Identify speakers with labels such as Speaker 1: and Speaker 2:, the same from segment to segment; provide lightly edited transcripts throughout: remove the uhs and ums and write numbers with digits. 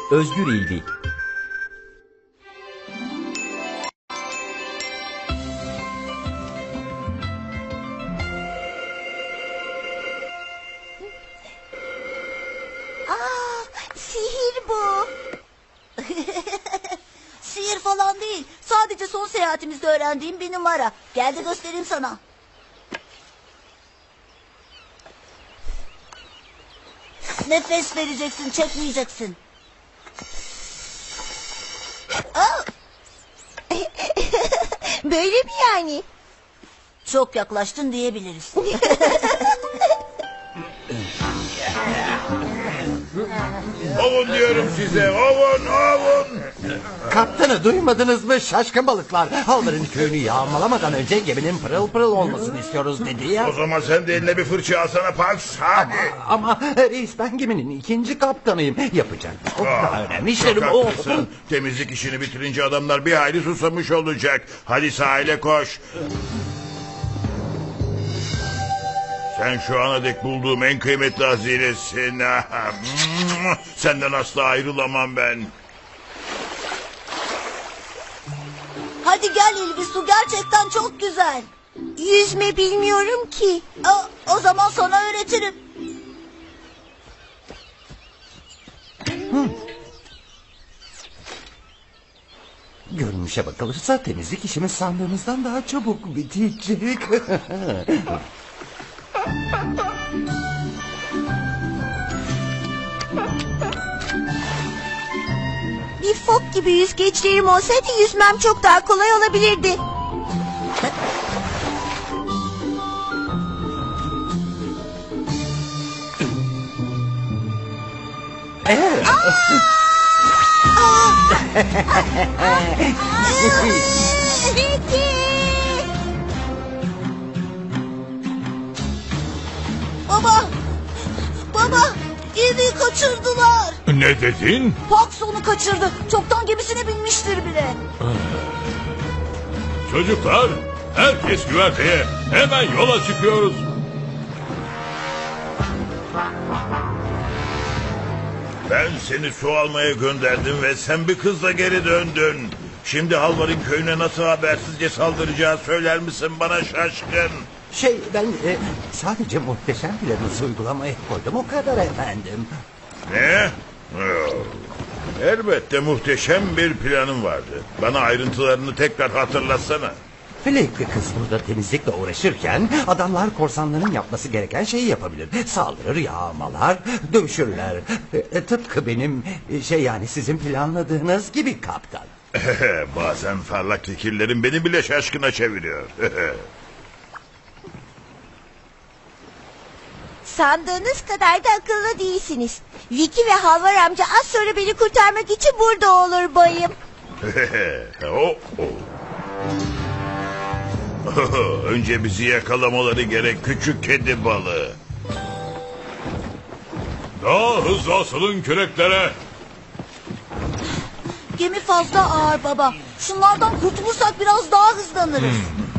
Speaker 1: Özgür İlvi.
Speaker 2: Sihir bu. Sihir falan değil. Sadece son seyahatimizde öğrendiğim bir numara. Gel de göstereyim sana. Nefes vereceksin, çekmeyeceksin.
Speaker 3: Böyle mi yani?
Speaker 2: Çok yaklaştın diyebiliriz.
Speaker 4: Ovun diyorum size, ovun, ovun.
Speaker 5: Kaptanı duymadınız mı şaşkın balıklar? Halvar'ın köyünü yağmalamadan önce geminin pırıl pırıl olmasını istiyoruz dedi ya.
Speaker 4: O zaman sen de eline bir fırça alsana Pax, hadi.
Speaker 5: Ama reis ben geminin ikinci kaptanıyım. Yapacak çok daha önemli
Speaker 4: Çok
Speaker 5: işlerim o.
Speaker 4: haklısın. Temizlik işini bitirince adamlar bir hayli susamış olacak. Hadi sahile koş. Sen şu ana dek bulduğum en kıymetli hazinesin. Senden asla ayrılamam ben.
Speaker 2: Hadi gel İlvi, su gerçekten çok güzel.
Speaker 3: Yüzme bilmiyorum ki.
Speaker 2: O zaman sana öğretirim.
Speaker 5: Görünüşe bakılırsa temizlik işimiz sandığımızdan daha çabuk bitecek.
Speaker 3: Bir fok gibi yüzgeçlerim olsaydı yüzmem çok daha kolay olabilirdi.
Speaker 2: Baba! Baba! İlvi'yi kaçırdılar.
Speaker 4: Ne dedin?
Speaker 2: Pax onu kaçırdı. Çoktan gemisine binmiştir bile.
Speaker 4: Çocuklar, herkes güverteye. Hemen yola çıkıyoruz. Ben seni su almaya gönderdim ve sen bir kızla geri döndün. Şimdi Halvar'ın köyüne nasıl habersizce saldıracağı söyler misin bana şaşkın?
Speaker 5: Ben sadece muhteşem planınızı uygulamaya koydum o kadar efendim.
Speaker 4: Ne? Elbette muhteşem bir planım vardı. Bana ayrıntılarını tekrar hatırlatsana.
Speaker 5: Fleck'li kız burada temizlikle uğraşırken adamlar korsanların yapması gereken şeyi yapabilir. Saldırır, yağmalar, dövüşürler. Tıpkı benim yani sizin planladığınız gibi kaptan.
Speaker 4: Bazen parlak fikirlerim beni bile şaşkına çeviriyor.
Speaker 3: Sandığınız kadar da akıllı değilsiniz. Vicky ve Halvar amca az sonra beni kurtarmak için burada olur bayım.
Speaker 4: Önce bizi yakalamaları gerek küçük kedi balığı. Daha hızlı asılın küreklere.
Speaker 2: Gemi fazla ağır baba. Şunlardan kurtulursak biraz daha hızlanırız.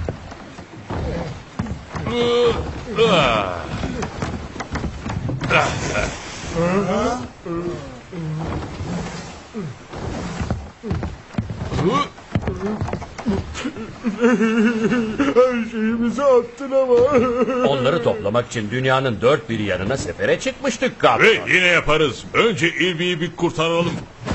Speaker 5: Her şeyimizi attın ama.
Speaker 1: Onları toplamak için dünyanın dört bir yanına sefere çıkmıştık kaptan.
Speaker 4: Ve yine yaparız. Önce İlvi'yi bir kurtaralım.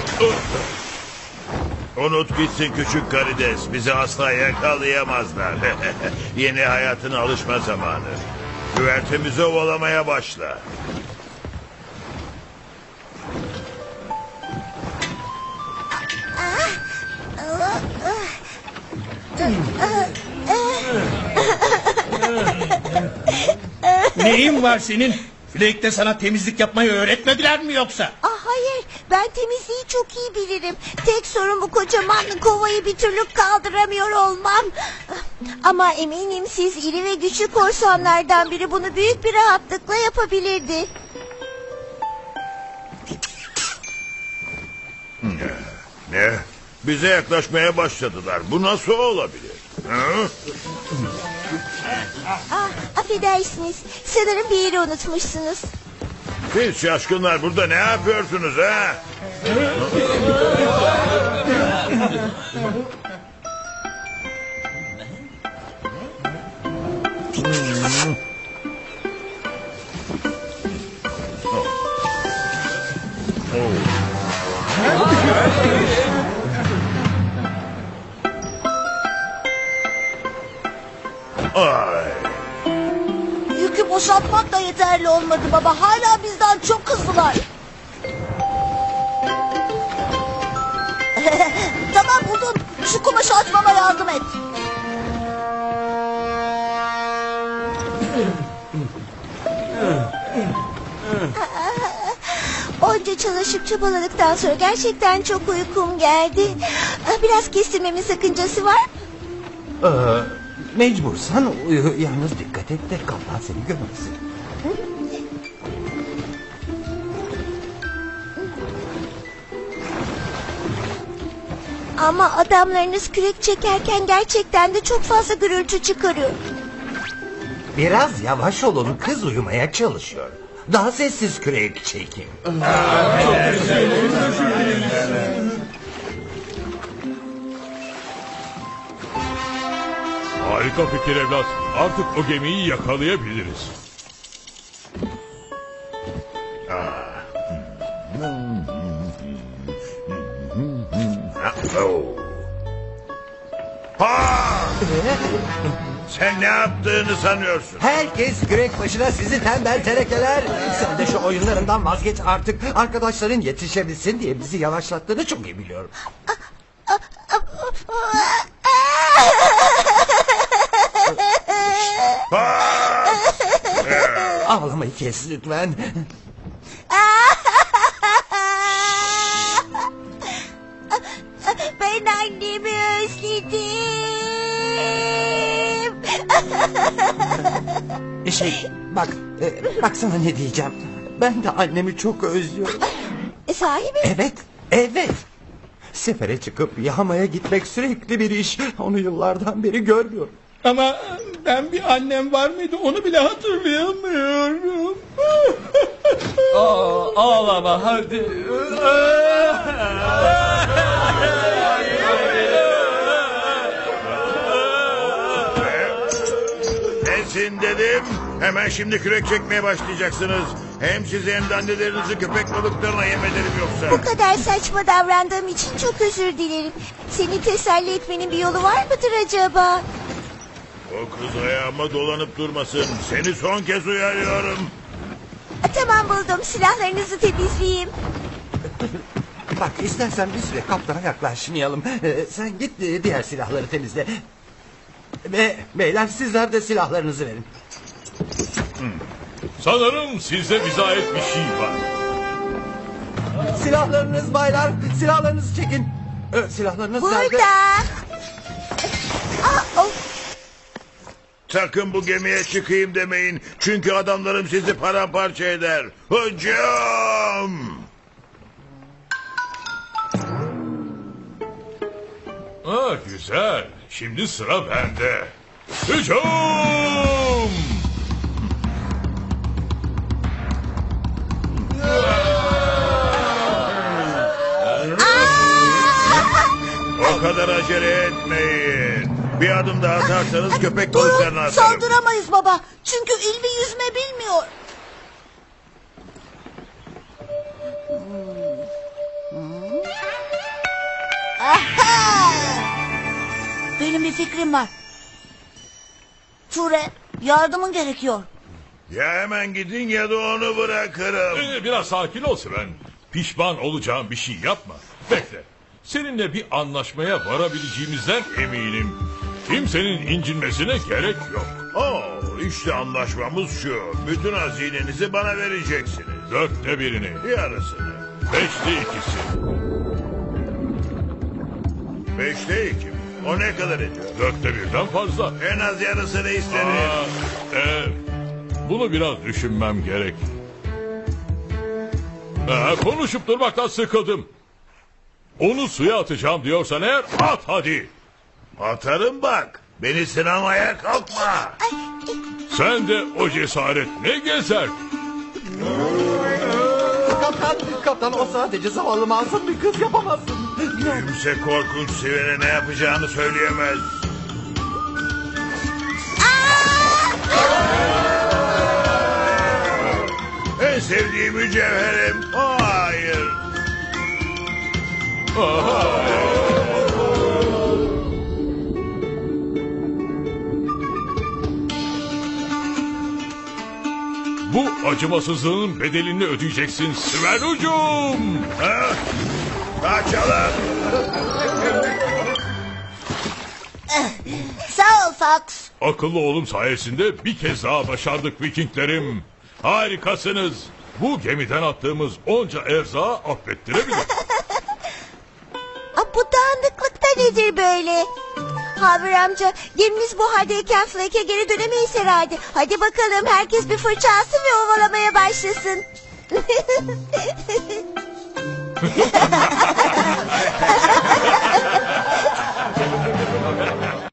Speaker 4: Unut gitsin küçük karides. Bizi asla yakalayamazlar. Yeni hayatına alışma zamanı. Güvertemizi ovalamaya başla.
Speaker 6: Neyin var senin? Flake'de sana temizlik yapmayı öğretmediler mi yoksa?
Speaker 3: Hayır, ben temizliği çok iyi bilirim. Tek sorun bu kocaman kovayı bir türlü kaldıramıyor olmam. Ama eminim siz iri ve güçlü korsanlardan biri bunu büyük bir rahatlıkla yapabilirdi.
Speaker 4: Ne? Bize yaklaşmaya başladılar. Bu nasıl olabilir?
Speaker 3: Affedersiniz, sanırım bir yeri unutmuşsunuz.
Speaker 4: Siz şaşkınlar burada ne yapıyorsunuz ha? Ay.
Speaker 2: Yükü boşaltmak da yeterli olmadı baba. Hala bizden çok hızlılar. Tamam buldum. Şu kumaşı açmama yardım et.
Speaker 3: Onca çalışıp çabaladıktan sonra gerçekten çok uykum geldi. Biraz kestirmemin sakıncası var mı?
Speaker 5: Mecbursan uyu. Yalnız dikkat et de kaplan seni görmesin.
Speaker 3: Ama adamlarınız kürek çekerken gerçekten de çok fazla gürültü çıkarıyor.
Speaker 5: Biraz yavaş olun, kız uyumaya çalışıyor. Daha sessiz kürek çekin.
Speaker 7: Harika fikir evlat. Artık o gemiyi yakalayabiliriz.
Speaker 4: Sen ne yaptığını sanıyorsun?
Speaker 5: Herkes kürek başına, sizi tembel terekeler. Sen de şu oyunlarından vazgeç artık. Arkadaşların yetişebilsin diye bizi yavaşlattığını çok iyi biliyorum. Ağlamayı kes lütfen.
Speaker 3: Ben annemi özledim.
Speaker 5: Bak sana ne diyeceğim. Ben de annemi çok özlüyorum.
Speaker 3: Sahi mi?
Speaker 5: Evet. Sefere çıkıp yağmaya gitmek sürekli bir iş. Onu yıllardan beri görmüyorum.
Speaker 6: Ama ben bir annem var mıydı onu bile hatırlayamıyorum.
Speaker 1: Ağlama hadi.
Speaker 4: Nesin dedim. Hemen şimdi kürek çekmeye başlayacaksınız. Hem sizi hem de annelerinizi köpek balıklarına yem ederim
Speaker 3: Bu
Speaker 4: yoksa.
Speaker 3: kadar saçma davrandığım için çok özür dilerim. Seni teselli etmenin bir yolu var mıdır acaba?
Speaker 4: O kız ayağıma dolanıp durmasın. Seni son kez uyarıyorum.
Speaker 3: Tamam buldum. Silahlarınızı temizleyeyim.
Speaker 5: Bak istersen bir süre kaptana yaklaşmayalım. Sen git diğer silahları temizle. Beyler sizler de silahlarınızı verin.
Speaker 7: Sanırım sizde bize ait bir şey var.
Speaker 5: Silahlarınız baylar, silahlarınızı çekin. Silahlarınız nerede?
Speaker 3: Burada. Oh.
Speaker 4: Sakın bu gemiye çıkayım demeyin. Çünkü adamlarım sizi paramparça eder. Hücum!
Speaker 7: Güzel. Şimdi sıra bende. Hücum!
Speaker 4: O kadar acele etmeyin. Bir adım daha atarsanız köpek balıklarına
Speaker 2: Durun,
Speaker 4: atarım.
Speaker 2: saldıramayız baba. Çünkü İlvi yüzme bilmiyor. Aha! Benim bir fikrim var. Ture, yardımın gerekiyor.
Speaker 4: Ya hemen gidin ya da onu bırakırım.
Speaker 7: Biraz sakin ol Sven. Pişman olacağım bir şey yapma. Bekle. Seninle bir anlaşmaya varabileceğimizden eminim. Kimsenin incinmesine gerek yok.
Speaker 4: İşte anlaşmamız şu. Bütün hazinenizi bana vereceksiniz.
Speaker 7: 1/4'ünü.
Speaker 4: Yarısını.
Speaker 7: 2/5.
Speaker 4: 2 mi? O ne kadar ediyor?
Speaker 7: 1/4'den fazla.
Speaker 4: En az yarısını isterim.
Speaker 7: Bunu biraz düşünmem gerek. Konuşup durmaktan sıkıldım. Onu suya atacağım diyorsan eğer at hadi.
Speaker 4: Atarım bak. Beni sınamaya kalkma.
Speaker 7: Sen de o cesaret ne gezer?
Speaker 5: Kaptan o sadece zavallı masum bir kız, yapamazsın.
Speaker 4: Kimse korkunç Siven'e ne yapacağını söyleyemez. En sevdiğim mücevherim. Hayır.
Speaker 7: Bu acımasızlığın bedelini ödeyeceksin Sven Ucum.
Speaker 4: Ha? Kaçalım.
Speaker 2: Sağ ol Fox.
Speaker 7: Akıllı oğlum sayesinde bir kez daha başardık Vikinglerim. Harikasınız. Bu gemiden attığımız onca erzağı affettirebilir.
Speaker 3: Bu dağınıklık da nedir böyle? Haber amca, gemimiz bu haldeyken Flake'e geri dönemeyiz herhalde. Hadi bakalım, herkes bir fırça alsın ve ovalamaya başlasın.